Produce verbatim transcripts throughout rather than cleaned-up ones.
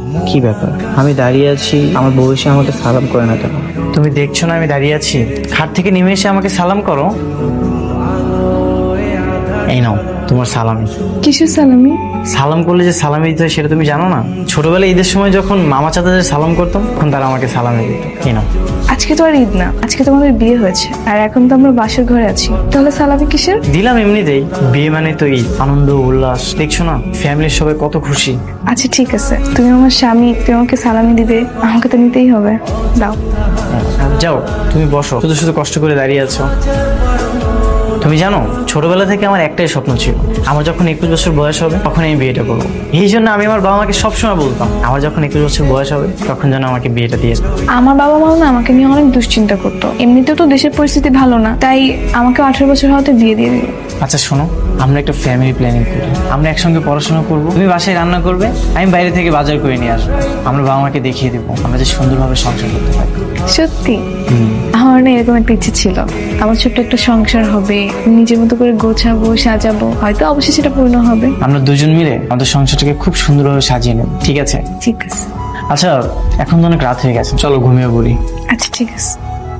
কি ব্যাপার, আমি দাঁড়িয়ে আছি, আমার বউ এসে আমাকে সালাম করে না কেন? তুমি দেখছো না আমি দাঁড়িয়ে আছি? খাট থেকে নেমে এসে আমাকে সালাম করো। এই নাও তোমার সালামি। কিসের সালামি? সালাম করলে যে সালামি দিতে হয় সেটা তুমি জানো না? ছোটবেলায় ঈদের সময় যখন মামা চাচাদের সালাম করতাম তখন তারা আমাকে সালামি দিত। এই নাও। আজকে তো আর ঈদ না, আজকে তোমাদের বিয়ে হয়েছে, আর এখন তো আমরা বাসর ঘরে আছি, তাহলে সালামি কিসের? দিলাম এমনিতেই, বিয়ে মানে তো ঈদ, আনন্দ উল্লাস। দেখছো না ফ্যামিলির সবাই কত খুশি। আচ্ছা ঠিক আছে, তুমি আমার স্বামী, তুমি আমাকে সালামি দিবে, আমাকে তো নিতেই হবে, দাও। যাও তুমি বসো, শুধু শুধু কষ্ট করে দাঁড়িয়ে আছো। তুমি জানো ছোটবেলা থেকে আমার একটাই স্বপ্ন ছিল, আমার যখন একুশ বছর বয়স হবে তখন আমি বিয়েটা করবো। এই জন্য আমি আমার বাবা মাকে সবসময় বলতাম আমার যখন একুশ বছর বয়স হবে তখন যেন আমাকে বিয়েটা দিয়ে দেয়। আমার বাবা মা না আমাকে নিয়ে অনেক দুশ্চিন্তা করতো, এমনিতেও তো দেশের পরিস্থিতি ভালো না, তাই আমাকে আঠারো বছর হতে বিয়ে দিয়ে দিল। আচ্ছা শোনো, আমরা একটা ফ্যামিলি প্ল্যানিং করি, আমরা একসঙ্গে পড়াশোনা করব, তুমি বাসায় রান্না করবে, আমি বাইরে থেকে বাজার করে নিয়ে আসবো। আমরা বাবা মাকে দেখিয়ে দেবো আমরা যে সুন্দরভাবে সংসার করতে পারি। সত্যি আমার না এরকম একটা ইচ্ছে ছিল, আমার ছোট্ট একটা সংসার হবে, নিজের মতো করে গোছাবো সাজাবো, হয়তো অবশ্যই সেটা পূর্ণ হবে। আমরা দুজন মিলে আমাদের সংসারটাকে খুব সুন্দরভাবে সাজিয়ে নেব, ঠিক আছে? ঠিক আছে। আচ্ছা এখন তো অনেক রাত হয়ে গেছে, চলো ঘুমিয়ে পড়ি। আচ্ছা ঠিক আছে।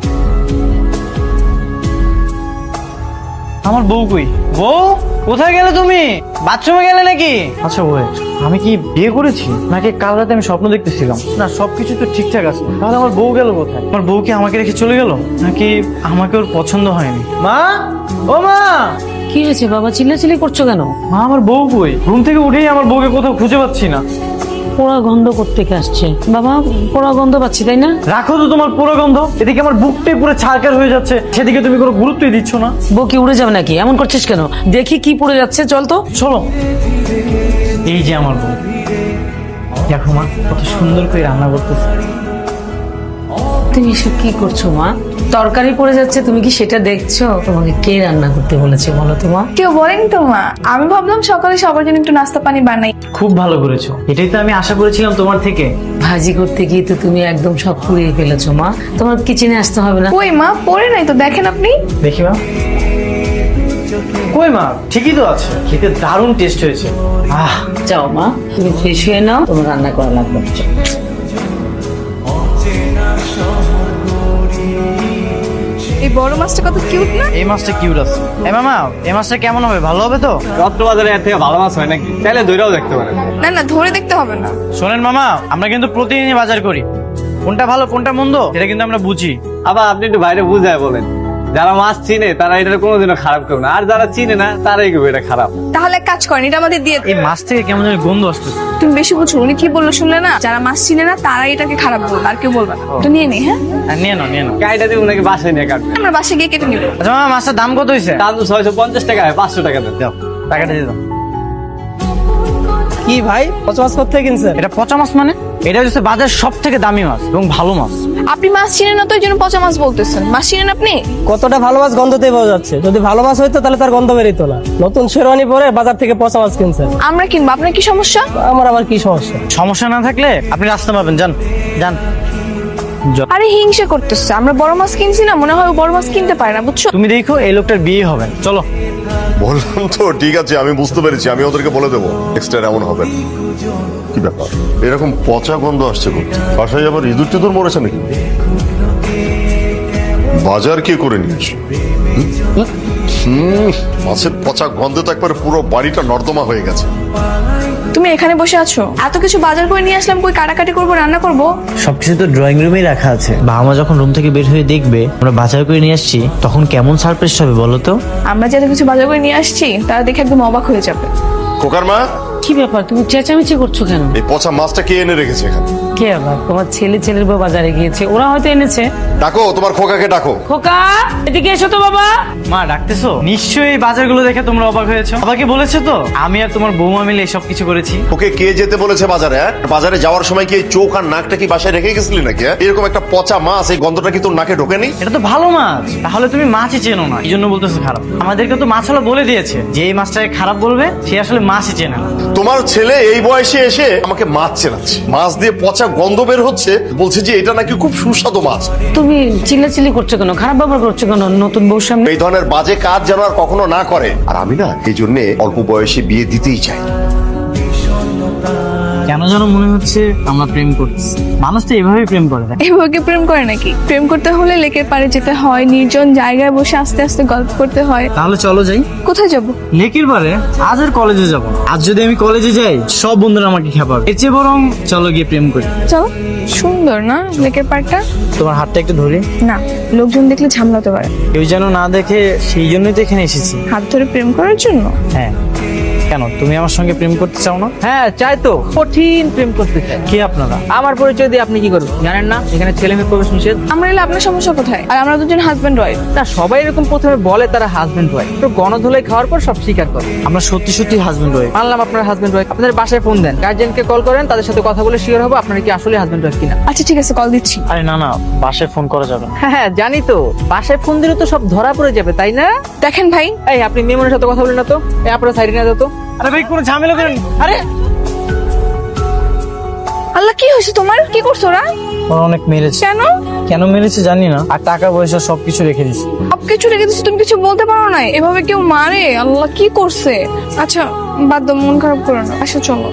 আমার বউ কই? বউ কোথায় গেলে তুমি? বাথরুমে গেলে নাকি? আচ্ছা ওয়েট, আমি কি বিয়ে করেছি নাকি কাল রাতে আমি স্বপ্ন দেখতেছিলাম? না সবকিছু তো ঠিকঠাক আছে, তাহলে আমার বউ গেল কোথায়? আমার বউ কি আমাকে রেখে চলে গেল নাকি আমাকে ওর পছন্দ হয়নি? মা, ও মা! কি হয়েছে বাবা, চিল্লাচিল্লি করছো কেন? মা আমার বউ কই? ঘুম থেকে উঠেই আমার বউকে কোথাও খুঁজে পাচ্ছি না। পোড়া গন্ধ কোত্থেকে আসছে বাবা? পোড়া গন্ধ পাচ্ছি, তাই না? রাখো তো তোমার পুরো গন্ধ, এদিকে আমার বুকটাই পুরো ছারকার হয়ে যাচ্ছে, সেদিকে তুমি কোনো গুরুত্বই দিচ্ছ না। বউ কি উড়ে যাবে নাকি? এমন করছিস কেন? দেখি কি পড়ে যাচ্ছে, চল তো। চলো। এই যে আমার বউ, দেখো মা কত সুন্দর করে রান্না করতেছে। তুমি এসব কি করছো মা? তরকারি পড়ে যাচ্ছে, তুমি কি সেটা দেখছো? তোমাকে কে রান্না করতে বলেছে বলো তো মা? কেউ বলেনি তো মা, আমি ভাবলাম সকালে সবার জন্য একটু নাস্তা পানি বানাই। খুব ভালো করেছো, এটাই তো আমি আশা করেছিলাম তোমার থেকে। ভাজি করতে গিয়ে তো তুমি একদম সব পুড়িয়ে ফেলেছো মা, তোমার কিচেনে আসতে হবে না। কই মা, পড়ে নাই তো, দেখেন আপনি। দেখি মা, কই মা, ঠিকই তো আছে, খেতে দারুণ টেস্ট হয়েছে। আহ যাও মা, তুমি ফ্রেশ হয়ে নাও, তোমার রান্না করা লাগবে না। এই বড় মাছটা কত কিউট না? এই মাছটা কিউট আছে। এ মামা, এই মাছটা কেমন হবে? ভালো হবে তো? রত্নবাজারে এর থেকে ভালো মাছ হয় নাকি? চাইলে দইরাও দেখতে পারেন। না না, ধরে দেখতে হবে না। শোনেন মামা, আমরা কিন্তু প্রতিদিনই বাজার করি, কোনটা ভালো কোনটা মন্দ এটা কিন্তু আমরা বুঝি। আবার আপনি একটু বাইরে বুঝায় বলেন, যারা মাছ চিনে তারা এটা কোনোদিনও খারাপ করবে না, আর যারা চিনে না তারাই করবে এটা খারাপ। তাহলে এক কাজ করেন, এটা আমাদের দিয়ে এই মাছ থেকে কেমন যেন গন্ধ আসতেছে। তুমি বেশি বুঝছো, উনি কি বললো শুনলে না? যারা মাছ চিনে না তারা এটাকে খারাপ বলবে, আর কেউ বলবে না। তো নিয়ে নি। হ্যাঁ আর নিয়ে নাও নিয়ে নাও। গাড়িটা দিয়ে ওনাকে বাসায় নিয়ে কাটবে। আমরা বাসে গিয়ে কেটে নিবো। আচ্ছা মামা, মাছটার দাম কত হয়েছে? দাম তো ছয়শো পঞ্চাশ টাকা, পাঁচশো টাকা দেন। দাও টাকাটা দিয়ে দাও। কি ভাই, পচা মাছ কোথায় কিনছেন? এটা পচা মাছ মানে? এটা হচ্ছে বাজার সব থেকে দামি মাছ এবং ভালো মাছ। আপনি মাছ চিনেন না তো এই জন্য পচা মাছ বলতেছেন। মাছ চিনেন আপনি? কতটা ভালো মাছ গন্ধতেই পাওয়া যাচ্ছে, যদি ভালো মাছ হইতো তাহলে তার গন্ধ বেরিত না। নতুন শেরওয়ানি পরে বাজার থেকে পচা মাছ কিনছেন, আমরা কিনবো, আপনার কি সমস্যা? আমার আবার কি সমস্যা? সমস্যা না থাকলে আপনি রাস্তা পাবেন, যান যান। আরে হিংসা করতেছে, আমরা বড় মাছ কিনছি না, মনে হয় ও বড় মাছ কিনতে পারে না, বুঝছো? তুমি দেখো এই লোকটার বিয়ে হবে না। চলো। বললাম তো ঠিক আছে, আমি বুঝতে পেরেছি, আমি ওদেরকে বলে দেবো নেক্সট টাইম এমন হবে না। কি ব্যাপার, এরকম পচা গন্ধ আসছে করতে? বাসায় আবার ইঁদুর টিঁদুর মরেছে নাকি? বাজার কে করে নিয়েছো? হুম, মাছের পচা গন্ধে তো একবার পুরো বাড়িটা নর্দমা হয়ে গেছে। তুমি এখানে বসে আছো, এত কিছু বাজার করে নিয়ে আসলাম, কই কাটাকাটি করবো, রান্না করবো? সবকিছু তো ড্রয়িং রুমেই রাখা আছে। বাবা মা যখন রুম থেকে বের হয়ে দেখবে আমরা বাজার করে নিয়ে আসছি তখন কেমন সারপ্রাইজ হবে বলো তো? আমরা যে এত কিছু বাজার করে নিয়ে আসছি তারা দেখে একদম অবাক হয়ে যাবে। খোকার মা, কি ব্যাপার, তুমি চেঁচামেচি করছো কেন? এই পচা মাছটা কে এনে রেখেছে এখানে? কে আবার? তোমার ছেলে ছেলের বউ বাজারে গিয়েছে, ওরা হয়তো এনেছে। ডাকো তোমার খোকাকে, ডাকো। খোকা এদিকে এসো তো বাবা। মা ডাকতেছো? নিশ্চয়ই এই বাজারগুলো দেখে তোমরা অবাক হয়েছো। বাবাকে বলেছে তো আমি আর তোমার বৌমা মিলে এসব কিছু করেছি। ওকে কে যেতে বলেছে বাজারে? হ্যাঁ, বাজারে যাওয়ার সময় কি এই চোখ আর নাকটা কি বাসায় রেখে গেছিলি নাকি? হ্যাঁ? এরকম একটা পচা মাছ, এই গন্ধটা কি তোর নাকে ঢোকেনি? এটা তো ভালো মাছ, তাহলে তুমি মাছই চেনো না এই জন্য বলতেছো খারাপ। আমাদেরকে তো মাছওয়ালা বলে দিয়েছে যে এই মাছটাকে খারাপ বলবে সে আসলে মাছই চেনে না। তোমার ছেলে এই বয়সে এসে আমাকে মাছ চেনাচ্ছে, মাছ দিয়ে পচা গন্ধ বের হচ্ছে, বলছে যে এটা নাকি খুব সুস্বাদু মাছ। তুমি চিল্লাচিল্লি করছো কেন? খারাপ ব্যবহার করছো কেন নতুন বউর সামনে? এই ধরনের বাজে কাজ যেন আর কখনো না করে। আর আমি না এই জন্য অল্প বয়সে বিয়ে দিতেই চাই। কেন কেন যেন মনে হচ্ছে আমরা প্রেম করতেছি। মানুষ তো এভাবেই প্রেম করে না। এভাবে কি প্রেম করে নাকি? প্রেম করতে হলে লেকের পাড়ে যেতে হয়, নির্জন জায়গায় বসে আস্তে আস্তে গল্প করতে হয়। তাহলে চলো যাই কোথায় যাব? লেকের পারে। আজ আর কলেজে যাব না। আজ যদি আমি কলেজে যাই সব বন্ধুরা আমাকে খেপাবে। এর চেয়ে বরং চলো গিয়ে প্রেম করি। চলো। সুন্দর না লেকের পাড়টা? তোমার হাতটা একটু ধরি। না, লোকজন দেখলে ঝামলাতে পারে। কেউ যেন না দেখে, সেই জন্যই তো এখানে এসেছি। হাত ধরে প্রেম করার জন্য? হ্যাঁ। কেন, তুমি আমার সঙ্গে প্রেম করতে চাও না? হ্যাঁ চাই তো, কঠিন প্রেম করতে চাই। কে আপনারা? আমার পরিচয় দিয়ে আপনি কি করবেন জানেন না? এখানে ছেলে মেয়ে প্রবেশ নিষেধ। আমরা এলে আপনার সমস্যা কোথায়? আর আমরা দুজন হাজব্যান্ড ওয়াইফ। না সবাই এরকম প্রথমে বলে তারা হাজবেন্ড ওয়াইফ, তো গণধোলাই খাওয়ার পর সব স্বীকার করে। আমরা সত্যি সত্যি হাজবেন্ড ওয়াইফ। মানলাম আপনার হাজবেন্ড ওয়াইফ। আপনাদের বাসায় ফোন দেন, গার্জিয়ানকে কল করেন, তাদের সাথে কথা বলে শিওর হবো আপনারা কি আসলে হাজবেন্ড ওয়াইফ কিনা। আচ্ছা ঠিক আছে, কল দিচ্ছি। আরে না না, বাসায় ফোন করা যাবে না। হ্যাঁ হ্যাঁ জানি তো, বাসায় ফোন দিলে তো সব ধরা পড়ে যাবে তাই না? দেখেন ভাই, এই আপনি মেমনের সাথে কথা বলেন না তো, এই আপনারা সাইডে না যেত। আরে ভাই কোনো ঝামেলা করেন। আরে আল্লাহ কি হয়েছে তোমার? কি করছো ওরা? ওরা অনেক মেরেছে। কেন? কেন মেরেছে জানি না, আর টাকা পয়সা সবকিছু রেখে দিছি। সব কিছু রেখে দিচ্ছি, তুমি কিছু বলতে পারো না? এভাবে কেউ মারে? আল্লাহ কি করছে? আচ্ছা বাদ দাও, মন খারাপ করো না। আচ্ছা চলো।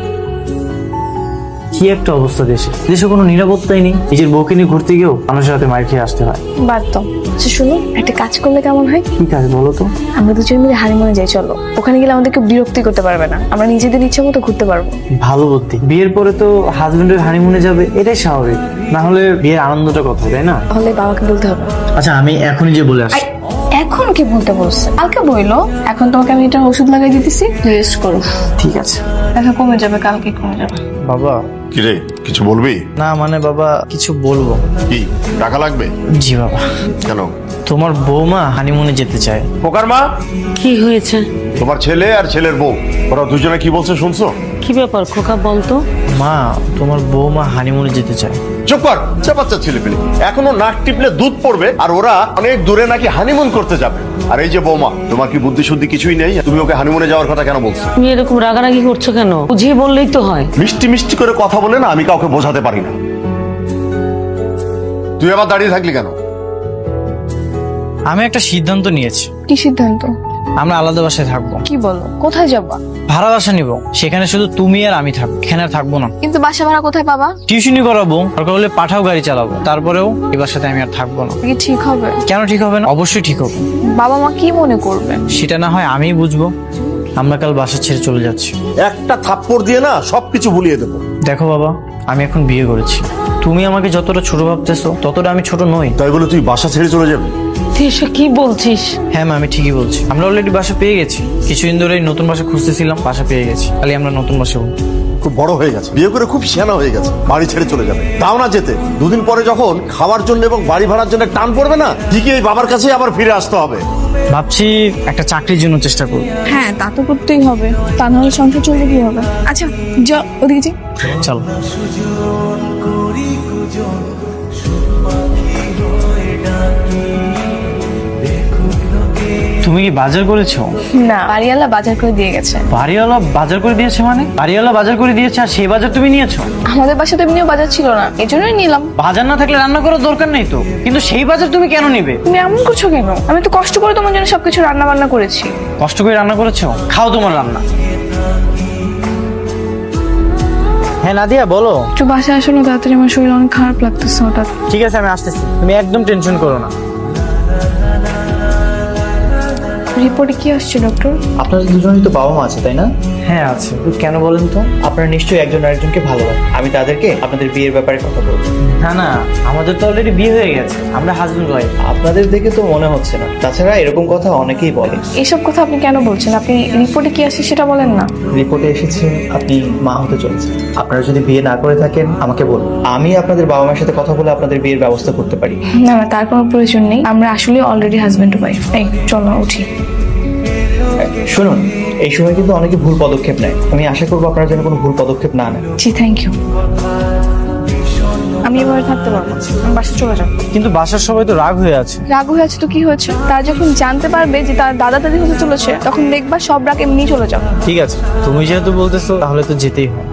কি একটা অবস্থা দেশে, দেশে কোনো নিরাপত্তাই নেই। নিজের বউকে নিয়ে ঘুরতে গিয়েও মানুষের হাতে মার খেয়ে আসতে হয়। বাদ দাও। আচ্ছা শুনো, একটা কাজ করলে কেমন হয়? কি কাজ বলো তো? আমরা দুজন মিলে হানিমুনে যাই, চলো। ওখানে গেলে আমাদেরকে বিরক্তি করতে পারবে না, আমরা নিজেদের ইচ্ছা মতো ঘুরতে পারবো। ভালো বুদ্ধি। বিয়ের পরে তো হাজবেন্ডের হানিমুনে যাবে, এটাই স্বাভাবিক। না হলে বিয়ের আনন্দটা কোথায়, তাই না? তাহলে বাবাকে বলতে হবে। আচ্ছা আমি এখনই যে বলে আসি। এখন কি বলতে বলছে? কালকে বইলো। এখন তোমাকে আমি এটা ওষুধ লাগাই দিতেছি, রেস্ট করো। ঠিক আছে। দেখা কমে যাবে, কালকে কমে যাবে। বাবা। কিরে কিছু বলবি? না মানে বাবা কিছু বলবো। কি টাকা লাগবে? জি বাবা। কেন? তোমার বৌমা হানিমুনে যেতে চায়। পোকার মা, কি হয়েছে? তোমার ছেলে আর ছেলের বউ ওরা দুজনে কি বলছে শুনছো? কি ব্যাপার খোকা বলতো? মা, তোমার বৌমা হানিমুনে যেতে চায়। চুপ কর, সে বাচ্চা ছেলে পেলে এখনো নাক টিপলে দুধ পড়বে, আর ওরা অনেক দূরে নাকি হানিমুন করতে যাবে। আর এই যে বৌমা, তোমার কি বুদ্ধি শুদ্ধি কিছুই নেই? তুমি ওকে হানিমুনে যাওয়ার কথা কেন বলছো? তুমি এরকম রাগারাগি করছো কেন? বুঝিয়ে বললেই তো হয়। মিষ্টি মিষ্টি করে কথা বলে না আমি কাউকে বোঝাতে পারি না। তুই আবার দাঁড়িয়ে থাকলি কেন? আমি একটা সিদ্ধান্ত নিয়েছি। কি সিদ্ধান্ত? আমরা আলাদা বাসায় থাকবো। কি বলো? কোথায় যাবা? ভাড়া বাসা নিব, সেখানে শুধু তুমি আর আমি থাকবো, এখানে আর থাকবো না। কিন্তু বাসা ভাড়া কোথায় পাবা? টিউশনি করাবো, দরকার হলে পাঠাও গাড়ি চালাবো, তারপরেও এই বাসাতে আমি আর থাকবো না। কি ঠিক হবে? কেন ঠিক হবে না? অবশ্যই ঠিক হবে। বাবা মা কি মনে করবে? সেটা না হয় আমিই বুঝবো। আমরা কাল বাসা ছেড়ে চলে যাচ্ছি। একটা থাপ্পড় দিয়ে না সবকিছু ভুলিয়ে দেবো। দেখো বাবা, আমি এখন বিয়ে করেছি। তুমি আমাকে যতটা ছোট ভাবতেছো ততটা আমি ছোট নই। তাই বলে তুই বাসা ছেড়ে চলে যাবি? তুই এসব কি বলছিস? হ্যাঁ মা, আমি ঠিকই বলছি। আমরা অলরেডি বাসা পেয়ে গেছি। কিছুদিন ধরে নতুন বাসা খুঁজতেছিলাম, বাসা পেয়ে গেছি। খালি আমরা নতুন বাসা হবো। খুব বড় হয়ে গেছে, বিয়ে করে খুব সিয়ানা হয়ে গেছে, বাড়ি ছেড়ে চলে যাবে। তাও না যেতে, দুদিন পরে যখন খাওয়ার জন্য এবং বাড়ি ভাড়ার জন্য টান পড়বে না, ঠিকই এই বাবার কাছে আবার ফিরে আসতে হবে। ভাবছি একটা চাকরির জন্য চেষ্টা করবো। হ্যাঁ তা তো করতেই হবে, তা না হলে সংসার চলবে কি হবে? আচ্ছা যা, ওদিকে যাই। চলো। তুমি কি বাজার করেছো? না, বাড়িওয়ালা বাজার করে দিয়ে গেছে। বাড়িওয়ালা বাজার করে দিয়েছে মানে? বাড়িওয়ালা বাজার করে দিয়েছে আর সেই বাজার তুমি নিয়েছো? আমাদের বাসায় তো এমনিও বাজার ছিল না, এই জন্যই নিলাম। বাজার না থাকলে রান্না করার দরকার নেই তো, কিন্তু সেই বাজার তুমি কেন নিবে? তুমি এমন করছো কেন? আমি তো কষ্ট করে তোমার জন্য সবকিছু রান্না বান্না করেছি। কষ্ট করে রান্না করেছো, খাও তোমার রান্না। হ্যাঁ নাদিয়া বলো। একটু বাসায় আসো না তাড়াতাড়ি, আমার শরীর অনেক খারাপ লাগতেছে হঠাৎ। ঠিক আছে আমি আসতেছি, তুমি একদম টেনশন করো না। রিপোর্টে কি আসছে ডক্টর? আপনাদের দুজনেই তো বাবা মা আছে তাই না? হ্যাঁ আছে। তো কেন বলেন তো? আপনারা নিশ্চয়ই একজন আরেকজনকে ভালোবাসেন। আমি তাদেরকে আপনাদের বিয়ের ব্যাপারে কথা বলবো। না না, আমাদের তো অলরেডি বিয়ে হয়ে গেছে, আমরা হাজবেন্ড ওয়াইফ। আপনাদের দেখে তো মনে হচ্ছে না। তাছাড়া এরকম কথা অনেকেই বলে। এসব কথা আপনি কেন বলছেন? আপনি রিপোর্টে কি আসছে সেটা বলেন না। রিপোর্টে এসেছে আপনি মা হতে চলেছেন। আপনারা যদি বিয়ে না করে থাকেন আমাকে বলুন, আমি আপনাদের বাবা মায়ের সাথে কথা বলে আপনাদের বিয়ের ব্যবস্থা করতে পারি। না না, তার কোনো প্রয়োজন নেই, আমরা আসলে অলরেডি হাজবেন্ড ওয়াইফ। এই চলো উঠি। শুনুন, এই সময় কিন্তু অনেকে ভুল পদক্ষেপ নেয়। আমি আশা করবো আপনারা যেন কোনো ভুল পদক্ষেপ না নেন। জি থ্যাংক ইউ। আমি এভাবে থাকতে পারবো না, আমি বাসা চলে যাবো। কিন্তু বাসার সবাই তো রাগ হয়ে আছে। রাগ হয়ে আছে তো কি হয়েছে? তারা যখন জানতে পারবে যে তার দাদা দাদি হতে চলেছে, তখন দেখবা সব রাগ এমনি চলে যাবে। ঠিক আছে, তুমি যেহেতু বলতেছো তাহলে তো যেতেই হয়।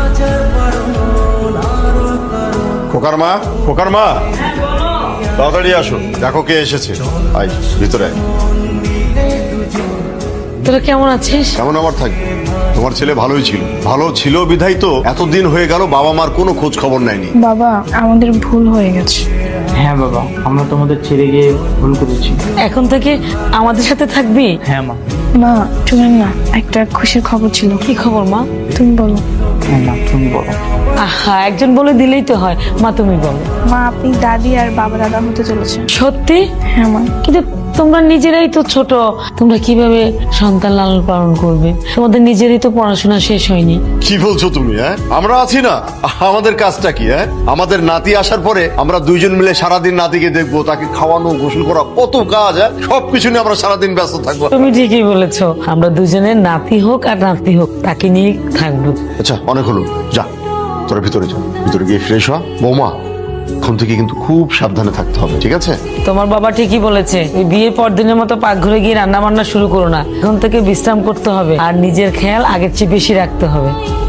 খোকার মা, খোকার মা তাড়াতাড়ি আসো, দেখো কে এসেছে। আই ভিতরে আয়। তোরা কেমন আছিস? কেমন আমার থাকবে? তোমার ছেলে ভালোই ছিল, ভালো ছিল বিধাই তো এতদিন হয়ে গেল বাবা মার কোনো খোঁজ খবর নেয়নি। বাবা আমাদের ভুল হয়ে গেছে। হ্যাঁ বাবা, আমরা তোমাদের ছেড়ে গিয়ে ভুল করেছি। এখন থেকে আমাদের সাথে থাকবি? হ্যাঁ মা। মা শুনেন না, একটা খুশির খবর ছিল। কি খবর মা? তুমি বলো। হ্যাঁ মা, তুমি বলো। আহা, একজন বলে দিলেই তো হয়। মা তুমি বলো। মা আপনি দাদি আর বাবা দাদা হতে চলেছেন। সত্যি? হ্যাঁ মা। কিন্তু তোমরা নিজেরাই তো ছোট, তোমরা কিভাবে সন্তান লালন পালন করবে? তোমাদের নিজেরই তো পড়াশোনা শেষ হয়নি। কি বলছো তুমি? হ্যাঁ, আমরা আছি না, আমাদের কাজটা কি? হ্যাঁ, আমাদের নাতি আসার পরে আমরা দুইজন মিলে সারাদিন নাতিকে দেখবো, তাকে খাওয়ানো, গোসল করা, কত কাজ। হ্যাঁ, সবকিছু নিয়ে আমরা সারাদিন ব্যস্ত থাকবো। তুমি ঠিকই বলেছো, আমরা দুজনের নাতি হোক আর নাতি হোক তাকে নিয়ে থাকবো। আচ্ছা, অনেক হলো, যা তোরা ভিতরে যা, ভিতরে গিয়ে ফ্রেশ হ। বৌমা, এখন থেকে কিন্তু খুব সাবধানে থাকতে হবে, ঠিক আছে? তোমার বাবা ঠিকই বলেছে, ওই বিয়ের পর দিনের মতো পাকঘরে গিয়ে রান্না বান্না শুরু করো না। এখন থেকে বিশ্রাম করতে হবে আর নিজের খেয়াল আগের চেয়ে বেশি রাখতে হবে।